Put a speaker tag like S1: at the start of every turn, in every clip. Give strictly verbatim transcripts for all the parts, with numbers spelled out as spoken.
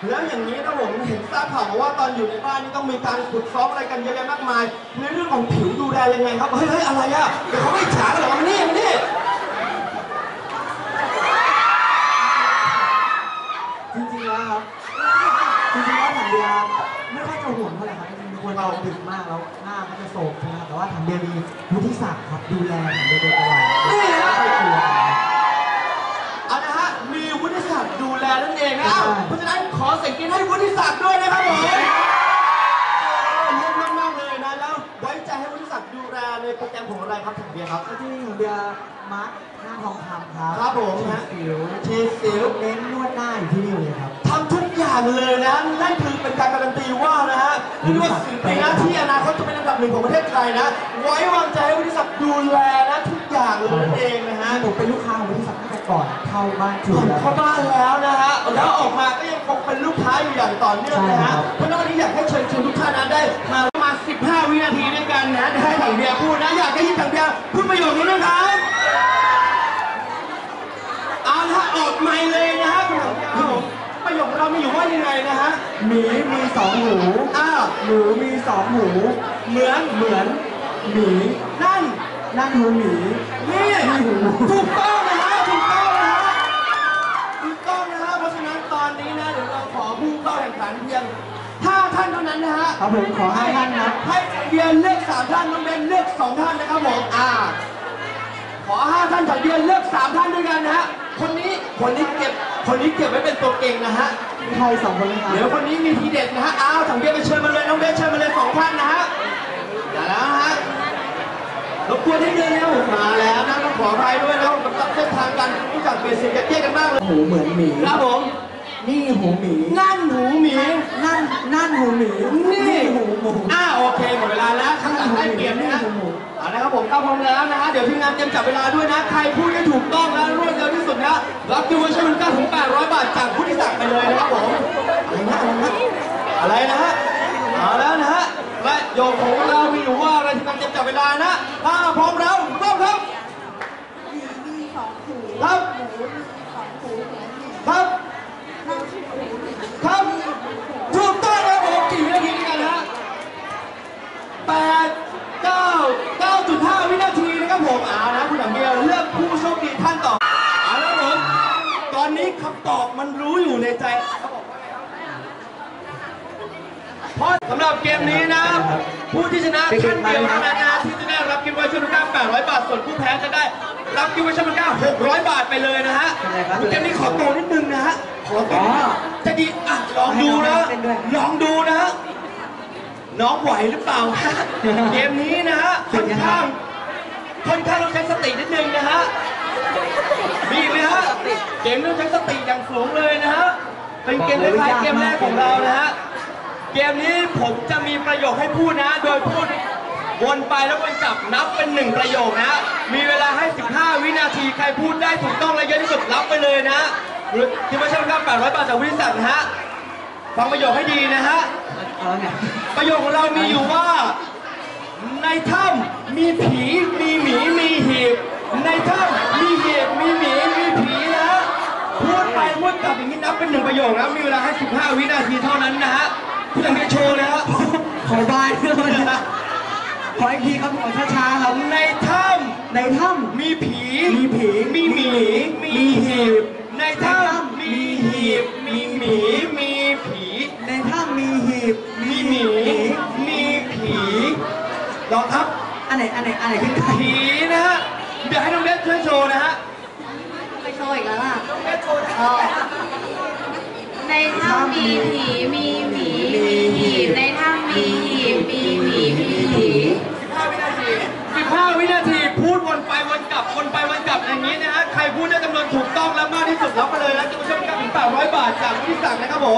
S1: แล้วอย่างนี้นะผมเห็นทราบข่าวมาว่าตอนอยู่ในบ้านนี่ต้องมีการฝึกซ้อมอะไรกันเยอะแยะมากมายในเรื่องของผิวดูแลยังไงครับเฮ้ยเฮ้ยอะไรอ่ะเดี๋ยวเขาไม่ฉาเหรอมานี่มานี่
S2: จริงๆแล้วครับจริงๆแล้วถังเบียร์ไม่ค่อยจะห่วงเท่าไหร่ครับจริงๆคนเราดึกมากแล้วหน้าก็จะโศกใช่ไหมครับแต่ว่าถังเบียร์มีวุฒิศักดิ์ครับดูแลถังเบียร์โดยตลอด
S1: นี่ฮะ
S2: ไม่กลัว
S1: เอานะฮะมีวุฒิศักดิ์ดูแลนั่นเองนะเพราะฉะนั้นขอเสียงกรี๊ดให้วุฒิศักดิ์ด้วยนะครับผมเยี่ยมมากๆเลยนะแล้วไว้ใจให้วุฒิศักดิ์ดูแลในโปรแกรมของอะไรครับถังเบียร์ครับ
S2: ที่ถังเบียร์มาร์คหน้าทองคำครับ
S1: ครับผม
S2: ฮะสิวชีสิวเน้นนวดหน้าอยู่ที่นี่เลยครับ
S1: ทำทุกอย่างเลยนะนั่นคือเป็นการการันตีว่านะฮะเรียกว่าสิ่งในหน้าที่อนาคตจะเป็นอันดับหนึ่งของประเทศไทยนะไว้วางใจให้วุฒิศักดิ์ดูแลนะทุกอย่างเลยนั่นเองนะฮะ
S2: ผมเป็นลูกค้าของวุฒิศักดิ์ตั้งแต่ก่อนเข้าบ้าน
S1: ก่อนเข้าบ้านแล้วนะฮะแล้วออกมาก็ยังคงเป็นลูกค้าอยู่อย่างต่อเนื่องนะฮะเพราะฉะนั้นวันนี้อยากให้เชิญชวนทุกท่านนะได้มาประมาณสิบห้าวินาทีด้วยกันนะให้ถังเบียร์พูดนะอยากให้ยินถังเบียร์พูดประโยคนี้นะครับเอาละออกใหม่เลยนะฮะคุณถังเบียร์ประโยคเรามีอยู่ว่ายังไงนะฮะ
S2: หมีมีสองหู
S1: อ้าว
S2: หมูมีสองหู
S1: เหมือน
S2: เหมือนหมี
S1: นั่น
S2: นั่นหูหมี
S1: นี่ถูกต้องนะฮะถูกต้องนะฮะถูกต้องนะฮะเพราะฉะนั้นตอนนี้นะเดี๋ยวเราขอผู้เข้าแข่งขันเพียงห้าท่านเท่านั้นนะฮะ
S2: ครับผมขอห้าท่านนะ
S1: ให้เบียร์เลือกสามท่านน้องเบนเลือกสองท่านนะครับผมอ่าขอห้าท่านจากเบียร์เลือกสามท่านด้วยกันนะฮะคนนี้คนนี้เก็บคนนี้เก็บไว้เป็นตัวเก่งนะฮะ
S2: ใครสองคนเลยครับ
S1: เดี๋ยวคนนี้มีทีเด็ดนะฮะอ้าวถังเบียร์ไปเชิญมาเลยน้องเบนเชิญมาเลยสองท่านนะฮะมาแล้วฮะรบกวนให้เดินเร็วมาแล้วนะต้องขออภัยด้วยนะกับเส้นทางกันรู้จักเบสิกแยกกันมากเลย
S2: หูเหมือนหมี
S1: ครับผม
S2: นี่หูหมี
S1: นั่นหูหมี
S2: นั่นนั่นหูหมี
S1: นี่
S2: หูหมู
S1: อ้าโอเคหมดเวลาแล้วข้างหลังได้เปลี่ยนนะฮะเอาละครับผมเข้าพร้อมแล้วนะฮะเดี๋ยวทีมงานเตรียมจับเวลาด้วยนะใครพูดได้ถูกต้องและรวดเร็วที่สุดนะรับกิฟต์วอเชอร์มูลค่าถึงแปดร้อยบาทจากผู้ที่สั่งไปเลยนะครับผมอะไรนะอะไรนะฮะเอาแล้วนะฮะและโยกของเรามีอยู่ว่าอะไรทีมงานเตรียมจับเวลานะถ้าพร้อมแล้วเริ่มครับ
S3: มีสองหู
S1: ครับ
S3: หมูมีสองหูเหมือนหมี
S1: ครับครับถูกต้องครับผมกี่วินาทีด้วยกันฮะแปดเก้าเก้าจุดห้าวินาทีนะครับผมเอานะคุณถังเบียร์เลือกผู้โชคดีท่านต่อเอาแล้วผมตอนนี้คำตอบมันรู้อยู่ในใจเพราะสำหรับเกมนี้นะผู้ที่ชนะท่านเดียวเท่านั้นนะที่จะได้รับกิฟต์วอเชอร์มูลค่าแปดร้อยบาทส่วนผู้แพ้จะได้รับกิฟต์วอเชอร์มูลค่าหกร้อยบาทไปเลยนะฮะเกมนี้ขอโตนิดนึงนะฮะขอโตจะดีอ่ะลองดูนะลองดูนะน้องไหวหรือเปล่าเกมนี้นะฮะค่อนข้างค่อนข้างต้องใช้สตินิดนึงนะฮะมีไหมฮะเกมนี้ต้องใช้สติอย่างสูงเลยนะฮะเป็นเกมคล้ายๆเกมแรกของเรานะฮะเกมนี้ผมจะมีประโยคให้พูดนะโดยพูดวนไปแล้ววนกลับนับเป็นหนึ่งประโยคนะมีเวลาให้สิบห้าวินาทีใครพูดได้ถูกต้องและเยอะที่สุดรับไปเลยนะที่ไม่ใช่ครับแปดร้อยบาทจากวิสัทนะฮะฟังประโยคให้ดีนะฮะประโยคของเรามีอยู่ว่าในถ้ำมีผีมีหมีมีหีบในถ้ำมีหีบมีหมีมีผีนะฮะพูดไปพูดกลับอย่างนี้นับเป็นหนึ่งประโยคนะมีเวลาให้สิบห้าวินาทีเท่านั้นนะฮะคุณจะมีโชว์เลยฮะ
S2: ขอบายด้วยนะขออีกทีครับขอช้าๆครับ
S1: ในถ้ำ
S2: ในถ้ำ
S1: มีผี
S2: มีผี
S1: มีหมีมีหีบในถ้ำมีหีบมีหมีมีผี
S2: ในถ้ำมีหีบ
S1: มีหมีมีผีลองครับ
S2: อันไหนอันไหนอันไหนขึ้น
S1: ผีนะฮะเดี๋ยวให้น้องเบสช่วยโชว์นะฮะ
S3: ไปโชว์อีกแล้วล่ะ
S1: น้องเบสโชว์
S3: ในถ้ำมีผีมีหมีมีหีบในถ้ำมีหีบมีหมีมีผี
S1: สิบห้าวินาทีสิบห้าวินาทีพูดวนไปวนกลับวนไปวนกลับอย่างนี้นะฮะใครพูดได้จำนวนถูกต้องและมากที่สุดรับไปเลยนะจะมาช่วยกันถึงแปดร้อยบาทจากผู้ที่สั่งนะครับผม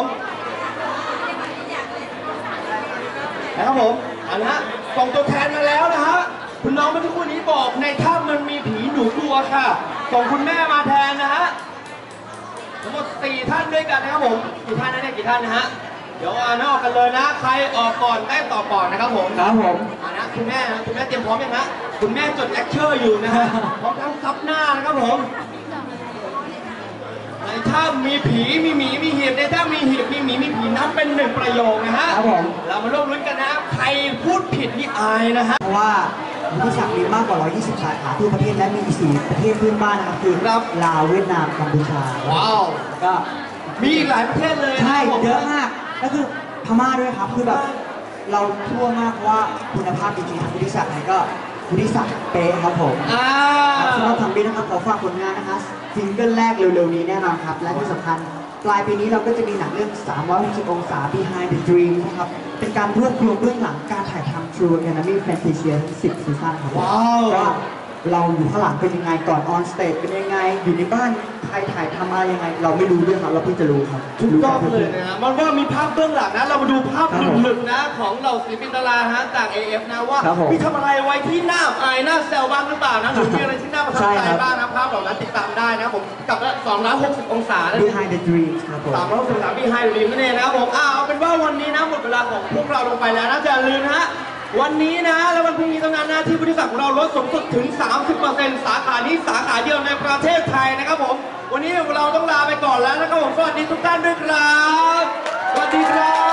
S1: นะครับผมอันนะฮะส่งตัวแทนมาแล้วนะฮะคุณน้องเมื่อสักครู่นี้บอกในถ้ำมันมีผีหนูกลัวค่ะส่งคุณแม่มาแทนนะฮะทั้งหมดสี่ท่านด้วยกันนะครับผมกี่ท่านนะเนี่ยกี่ท่านนะฮะเดี๋ยวอ่านออกกันเลยนะใครออกก่อนได้ต่อก่อนนะครับผม
S2: ครับผม
S1: อ่านะคุณแม่นะคุณแม่เตรียมพร้อมยังฮะคุณแม่จดเลคเชอร์อยู่นะฮะพร้อมทั้งซับหน้านะครับผมในถ้ำมีผีมีหมีมีหีบในถ้ำมีหีบมีหมีมีผีนับเป็นหนึ่งประโยคนะฮะ
S2: ครับผม
S1: เรามาร่วมรุ้นกันนะใครพูดผิดนี่อายนะฮะ
S2: เพราะว่าวุฒิศักดิ์มีมากกว่า หนึ่งร้อยยี่สิบ สาขาทั่วประเทศและมีอีกสี่ประเทศเพื่อนบ้านนะครับคือ
S1: ครับ
S2: ลาวเวียดนามกัมพูชา
S1: ว้าว
S2: ก็
S1: มีอีกหลายประเทศเลยนะ
S2: ใช่
S1: ผม
S2: เยอะมากก็คือพม่าด้วยครับคือแบบเราทั่วมากเพราะว่าคุณภาพจริงๆทางวุฒิศักดิ์ไหนก็วุฒิศักดิ์เป๊ะครับผม
S1: อ่า
S2: ครับสำหรับทางบินนะครับขอฝากผลงานนะคะซิงเกิลแรกเร็วๆนี้แน่นอนครับและที่สำคัญปลายปีนี้เราก็จะมีหนังเรื่องสามร้อยหกสิบองศา Behind the Dream นะครับเป็นการรวบรวมเบื้องหลังการถ่ายทำ True Academy Fantasia ทั้งสิบซีซั่นครับ
S1: ว้าว
S2: ก็เราอยู่ข้างหลังเป็นยังไงก่อนออนสเตจเป็นยังไงอยู่ในบ้านใครถ่ายทำอะไรยังไง เราไม่รู้เรื่องครับเราเพิ่งจะรู้ครับ
S1: ถูกต้องเลยนะฮะมันว่ามีภาพเบื้องหลังนะ เรามาดูภาพหลุดๆนะของเหล่าศิลปินดาราฮะจาก เอ เอฟ นะว่า
S2: ครับผม
S1: มีทำอะไรไว้ที่หน้าอายหน้าแซวบ้างหรือเปล่านะหรือมีอะไรที่น่าประทับ
S2: ใช่
S1: ใจ
S2: ครับ
S1: บ้างนะภาพเหล่านั้นติดตามได้นะผมกับสองร้อยหกสิบองศานะ
S2: Behind the Dream ครับผม
S1: สามร้อยหกสิบองศาพี่ไฮรีมนั่นเองนะครับผมอ้าวเอาเป็นว่าวันนี้นะหมดเวลาของพวกเราลงไปแล้วนะจะอย่าลืมนะฮะวันนี้นะแล้ววันพรุ่งนี้ตรงนั้นนะที่บริษัทของเราลดสูงสุดถึง สามสิบเปอร์เซ็นต์ สาขานี้สาขาเดียวในประเทศไทยนะครับผมวันนี้เราต้องลาไปก่อนแล้วนะครับผมสวัสดีทุกท่านด้วยครับสวัสดีครับ